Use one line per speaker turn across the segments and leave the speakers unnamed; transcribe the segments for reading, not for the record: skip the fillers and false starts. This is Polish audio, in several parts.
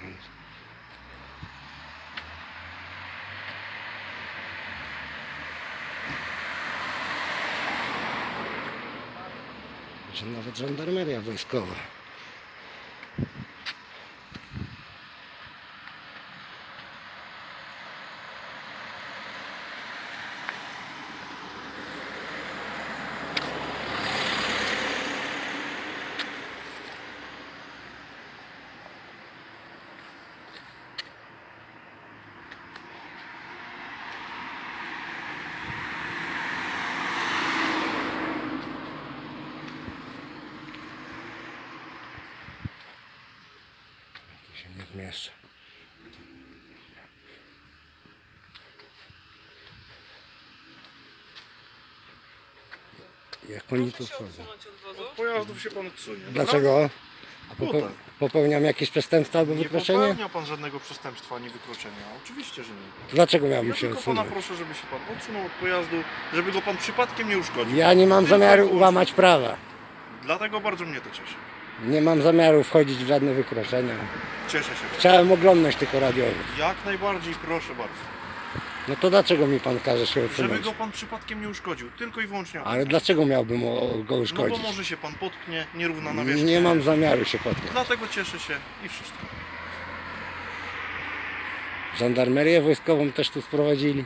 Że nawet żandarmeria wojskowa. Się nie zmieszczę. Jak oni tu wchodzą?
Od pojazdów się pan odsunie.
Dlaczego?
Tutaj.
Popełniam jakieś przestępstwo albo
Nie
wykroczenie?
popełnia pan żadnego przestępstwa ani wykroczenia. Oczywiście, że nie.
Dlaczego miałbym
Ja
się
tylko pana
odsunąć?
proszę, żeby się pan odsunął od pojazdu, żeby go pan przypadkiem nie uszkodził.
Ja nie mam
Tylko
zamiaru
wyłącznie.
łamać prawa.
Dlatego bardzo mnie to cieszy.
Nie mam zamiaru wchodzić w żadne wykroczenia.
Cieszę się.
Chciałem oglądnąć tylko radiowy.
Jak najbardziej proszę bardzo.
No to dlaczego mi pan każe się
Żeby
odsunąć?
go pan przypadkiem nie uszkodził. Tylko i wyłącznie.
Ale dlaczego miałbym go
No bo
uszkodzić?
może się pan potknie, nierówna nawierzchnia.
Nie mam zamiaru się potknąć.
Dlatego cieszę się i wszystko.
Żandarmerię wojskową też tu sprowadzili.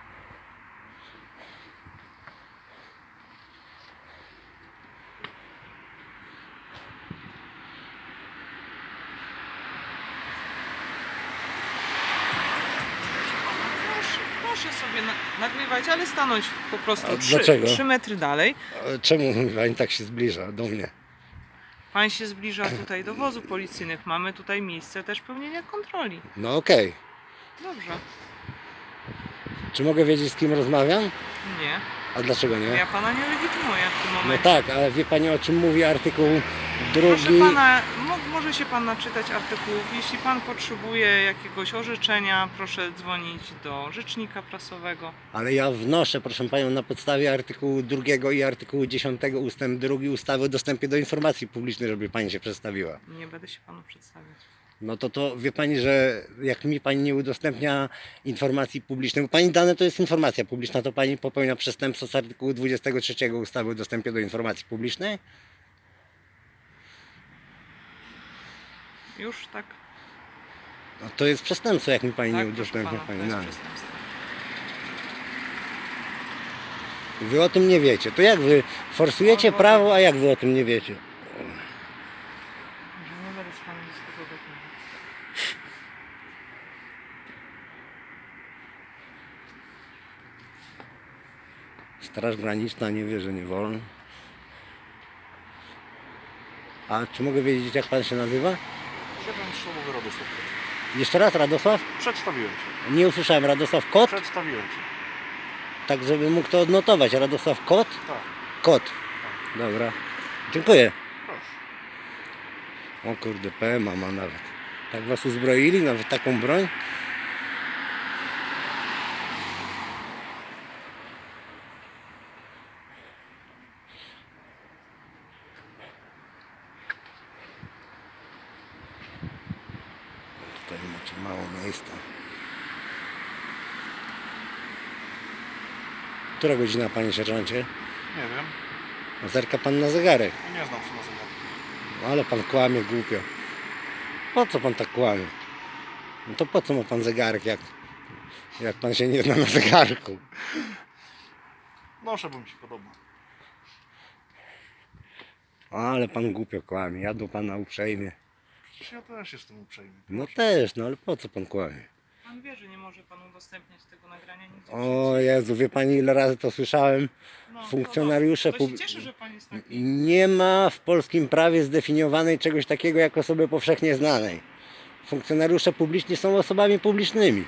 Proszę sobie nagrywać, ale stanąć po prostu
A dlaczego?
3 metry dalej.
Ale czemu pani tak się zbliża do mnie?
Pan się zbliża tutaj do wozów policyjnych. Mamy tutaj miejsce też pełnienia kontroli.
No okej.
Dobrze.
Czy mogę wiedzieć, z kim rozmawiam?
Nie.
A dlaczego nie?
Ja pana nie legitymuję w tym
No
momencie.
tak, ale wie pani, o czym mówi artykuł
Proszę
drugi?
pana, może się pan naczytać artykułów. Jeśli pan potrzebuje jakiegoś orzeczenia, proszę dzwonić do rzecznika prasowego.
Ale ja wnoszę, proszę panią, na podstawie artykułu 2 i artykułu 10 ustęp 2 ustawy o dostępie do informacji publicznej, żeby pani się przedstawiła.
Nie będę się panu przedstawiać.
No to wie pani, że jak mi pani nie udostępnia informacji publicznej, bo pani dane to jest informacja publiczna, to pani popełnia przestępstwo z artykułu 23 ustawy o dostępie do informacji publicznej?
Już tak?
No to jest przestępstwo, jak mi pani
Tak,
nie
proszę
udostępnia
pana, to
pani
jest
danych.
przestępstwo.
Wy o tym nie wiecie. To jak wy forsujecie prawo, a jak wy o tym nie wiecie?
Że nie będę z panem dyskutować.
Straż Graniczna nie wie, że nie wolno. A czy mogę wiedzieć, jak pan się nazywa?
Siedem słowowy Radosław.
Jeszcze raz, Radosław?
Przedstawiłem się.
Nie usłyszałem. Radosław Kot?
Przedstawiłem się.
Tak, żeby mógł to odnotować. Radosław Kot?
Tak.
Kot. Dobra. Dziękuję.
Proszę.
O kurde, PMA ma nawet. Tak was uzbroili? Nawet taką broń? Tutaj macie mało miejsca. Która godzina, panie sierżancie?
Nie wiem.
Zerka pan na zegarek.
Nie znam się na zegarku.
Ale pan kłamie głupio. Po co pan tak kłamie? No to po co ma pan zegarek, jak pan się nie zna na zegarku?
Noszę, bo mi się podoba.
Ale pan głupio kłamie, ja do pana uprzejmie.
Przecież ja też jestem uprzejmy.
No też, no ale po co pan kłamie?
Pan wie, że nie może pan udostępniać tego nagrania nigdzie.
O Jezu, wie pani, ile razy to słyszałem?
No,
Funkcjonariusze
to się
pub-
cieszę, że pan jest taki.
Nie ma w polskim prawie zdefiniowanej czegoś takiego jak osoby powszechnie znanej. Funkcjonariusze publiczni są osobami publicznymi.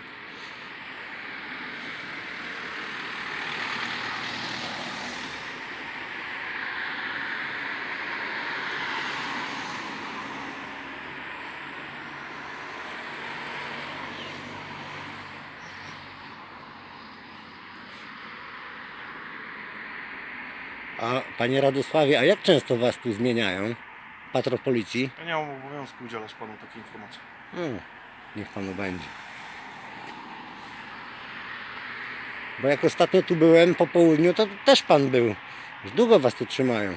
A panie Radosławie, a jak często was tu zmieniają? Patrol policji?
Ja nie mam obowiązku udzielać panu takiej informacji.
Hmm. Niech panu będzie. Bo jak ostatnio tu byłem po południu, to też pan był. Już długo was tu trzymają.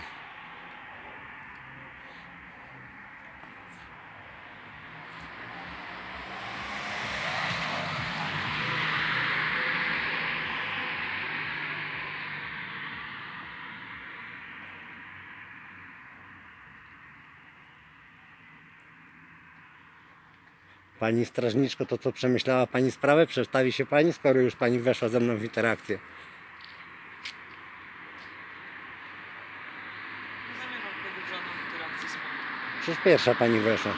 Pani strażniczko, to co przemyślała pani sprawę? Przedstawi się pani, skoro już pani weszła ze mną w interakcję.
Nie zamierzam wchodzić w żadną interakcję z panem.
Przecież pierwsza pani weszła.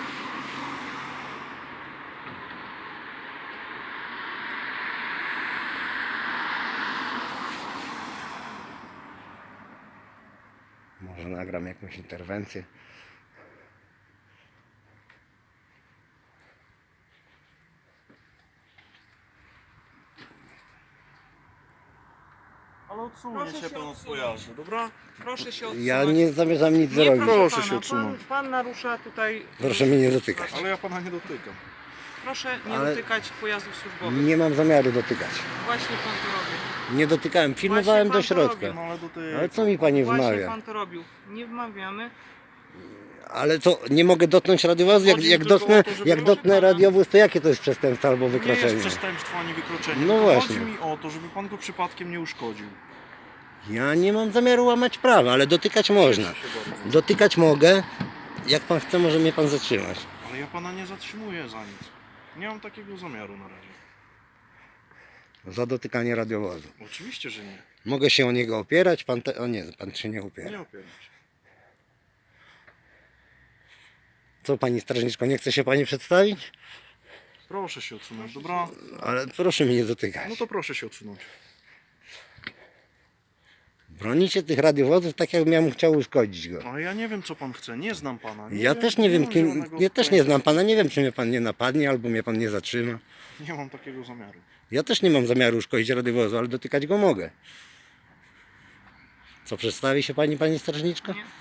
Może nagram jakąś interwencję.
Ale odsunie
Proszę
się
się
pan od
odsunąć.
pojazdu, dobra?
Proszę się odsunąć.
Ja nie zamierzam nic
Nie,
zrobić.
Proszę
pana,
się odsunąć.
Pan narusza tutaj...
Proszę mnie nie dotykać.
Ale ja pana nie dotykam.
Proszę nie
Ale-
dotykać pojazdów służbowych.
Nie mam zamiaru dotykać.
Właśnie pan to robi.
Nie dotykałem, filmowałem
Właśnie
do
pan to
środka.
robi.
No ale dotykam.
Ale co mi pani
Właśnie
wmawia?
pan to robił. Nie wmawiamy.
Ale co, nie mogę dotknąć radiowozu? Jak,
Chodzi
jak,
tylko
dotknę,
o to, żeby
jak
proszę
dotknę
pana-
radiowóz, to jakie to jest przestępstwo albo
Nie jest
wykroczenie?
przestępstwo ani wykroczenie.
No
tylko
właśnie.
Chodzi mi o to, żeby pan go przypadkiem nie uszkodził.
Ja nie mam zamiaru łamać prawa, ale dotykać można.
Cieszę się bardzo.
Dotykać mogę. Jak pan chce, może mnie pan zatrzymać.
Ale ja pana nie zatrzymuję za nic. Nie mam takiego zamiaru na razie.
Za dotykanie radiowozu.
Oczywiście, że nie.
Mogę się o niego opierać, pan o nie, pan się nie opiera.
Nie opieram się.
Co pani strażniczko, nie chce się pani przedstawić?
Proszę się odsunąć, dobra?
Ale proszę mnie nie dotykać.
No to proszę się odsunąć.
Bronicie tych radiowozów tak, jakbym ja mu chciał uszkodzić go.
Ale ja nie wiem, co pan chce. Nie znam pana.
Ja też nie wiem,
mam
kim,
zielonego
ja też nie
pojęcia.
znam pana, nie wiem, czy mnie pan nie napadnie, albo mnie pan nie zatrzyma.
Nie mam takiego zamiaru.
Ja też nie mam zamiaru uszkodzić radiowozu, ale dotykać go mogę. Co, przedstawi się pani strażniczko?
Nie.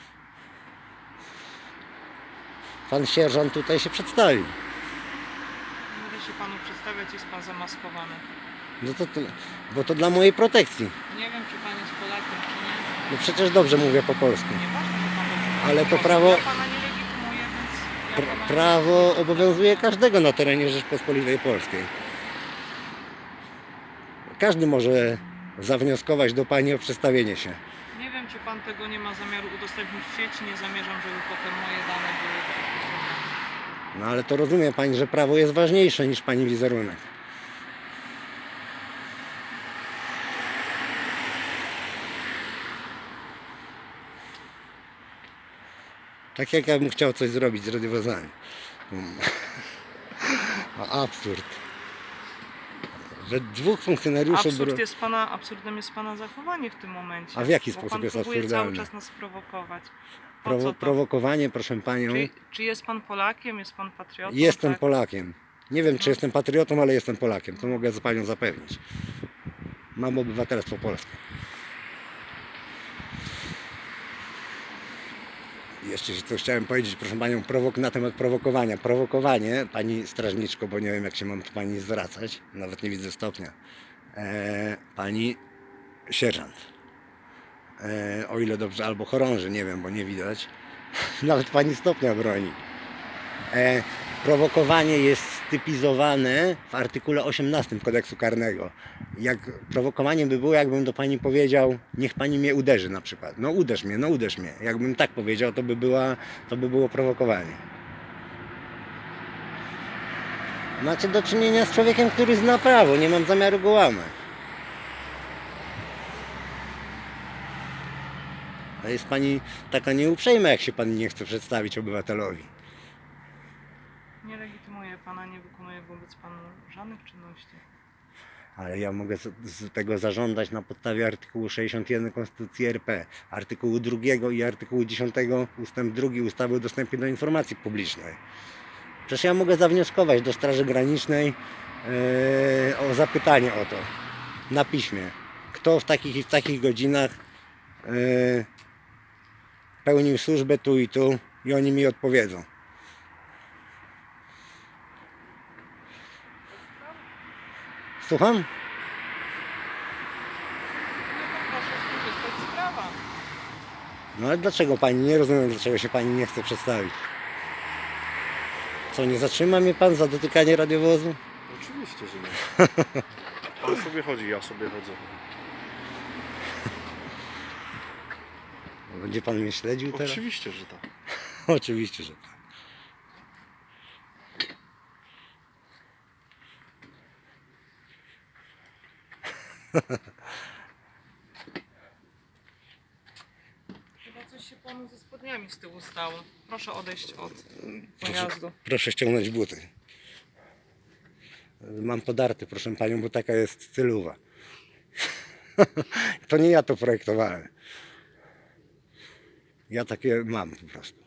Pan sierżant tutaj się przedstawił.
Nie będę się panu przedstawiać, jest pan zamaskowany.
No bo to dla mojej protekcji.
Nie wiem, czy pan jest Polakiem, czy nie.
No przecież dobrze mówię po polsku.
Nieważne, że pan dobrze mówi
Ale
po
to
polsku.
prawo-
Ja pana nie legitymuję, więc... Ja pana nie
Prawo
legitymuję.
obowiązuje każdego na terenie Rzeczpospolitej Polskiej. Każdy może zawnioskować do pani o przedstawienie się.
Nie wiem, czy pan tego nie ma zamiaru udostępnić w sieci. Nie zamierzam, żeby potem moje dane były...
No ale to rozumie pani, że prawo jest ważniejsze niż pani wizerunek. Tak jak ja bym chciał coś zrobić z radiowozami. A absurd. Że dwóch funkcjonariuszy...
Absurdem jest pana zachowanie w tym momencie.
A w jaki
Bo
sposób
pan
jest
próbuje
absurdalne?
cały czas nas prowokować. Po co to?
Prowokowanie, proszę panią.
Czy jest pan Polakiem? Jest pan patriotą?
Jestem
tak?
Polakiem. Nie wiem, czy jestem patriotą, ale jestem Polakiem. To mogę z panią zapewnić. Mam obywatelstwo polskie. Jeszcze coś chciałem powiedzieć, proszę panią, na temat prowokowania. Prowokowanie, pani strażniczko, bo nie wiem, jak się mam do pani zwracać, nawet nie widzę stopnia. Pani sierżant. O ile dobrze, albo chorąży, nie wiem, bo nie widać. Nawet pani stopnia broni. Prowokowanie jest stypizowane w artykule 18 kodeksu karnego. Jak prowokowaniem by było, jakbym do pani powiedział, niech pani mnie uderzy na przykład. No uderz mnie, no uderz mnie. Jakbym tak powiedział, to by było prowokowanie. Macie do czynienia z człowiekiem, który zna prawo, nie mam zamiaru go łamać. A jest pani taka nieuprzejma, jak się pan nie chce przedstawić obywatelowi.
Nie legitymuję pana, nie wykonuję wobec panu żadnych czynności.
Ale ja mogę z tego zażądać na podstawie artykułu 61 Konstytucji RP, artykułu 2 i artykułu 10 ustęp 2 ustawy o dostępie do informacji publicznej. Przecież ja mogę zawnioskować do Straży Granicznej o zapytanie o to na piśmie. Kto w takich i w takich godzinach pełnił służbę tu i tu i oni mi odpowiedzą. Słucham?
No to proszę skorzystać z prawa.
No ale dlaczego pani? Nie rozumiem, dlaczego się pani nie chce przedstawić. Co, nie zatrzyma mnie pan za dotykanie radiowozu?
Oczywiście, że nie. Pan sobie chodzi, ja sobie chodzę.
Będzie pan mnie śledził teraz?
Oczywiście, że tak.
Oczywiście, że tak.
Chyba coś się panu ze spodniami z tyłu stało. Proszę odejść od pojazdu.
Proszę ściągnąć buty. Mam podarte, proszę panią, bo taka jest stylowa. To nie ja to projektowałem. Ja takie mam po prostu.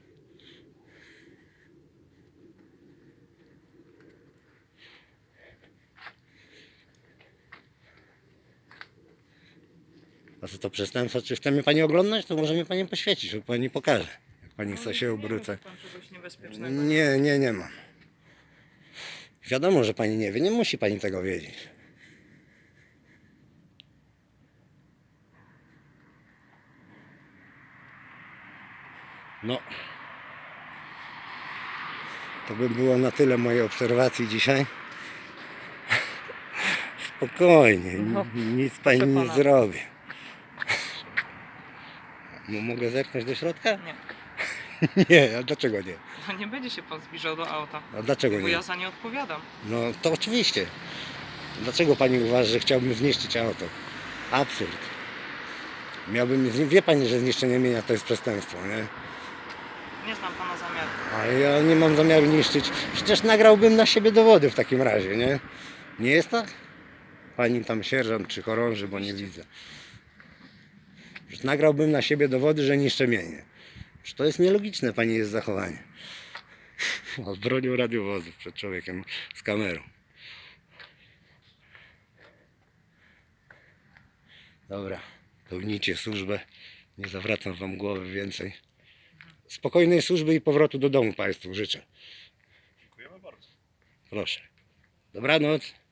A co to przestępstwo? Czy chce mnie pani oglądać? To może mnie pani poświecić, bo pani pokaże. Jak pani chce się obrócę.
Pan czegoś niebezpiecznego.
Nie mam. Wiadomo, że pani nie wie, nie musi pani tego wiedzieć. No. To by było na tyle mojej obserwacji dzisiaj. Spokojnie,
No,
nic pani
proszę
nie
pana.
zrobi. Mogę zerknąć do środka?
Nie.
Nie, a dlaczego nie?
No nie będzie się pan zbliżał do auta.
A dlaczego
Bo
nie?
ja za nie odpowiadam.
No to oczywiście. Dlaczego pani uważa, że chciałbym zniszczyć auto? Absurd. Wie pani, że zniszczenie mienia to jest przestępstwo, nie?
Nie znam pana zamiaru.
A ja nie mam zamiaru niszczyć. Przecież nagrałbym na siebie dowody w takim razie, nie? Nie jest tak? Pani tam sierżant czy chorąży, bo nie widzę. Przecież nagrałbym na siebie dowody, że niszczę mienie. Przecież to jest nielogiczne, pani jest zachowanie. Bronią radiowozów przed człowiekiem z kamerą. Dobra, pełnijcie służbę. Nie zawracam wam głowy więcej. Spokojnej służby i powrotu do domu państwu życzę.
Dziękujemy bardzo.
Proszę. Dobranoc.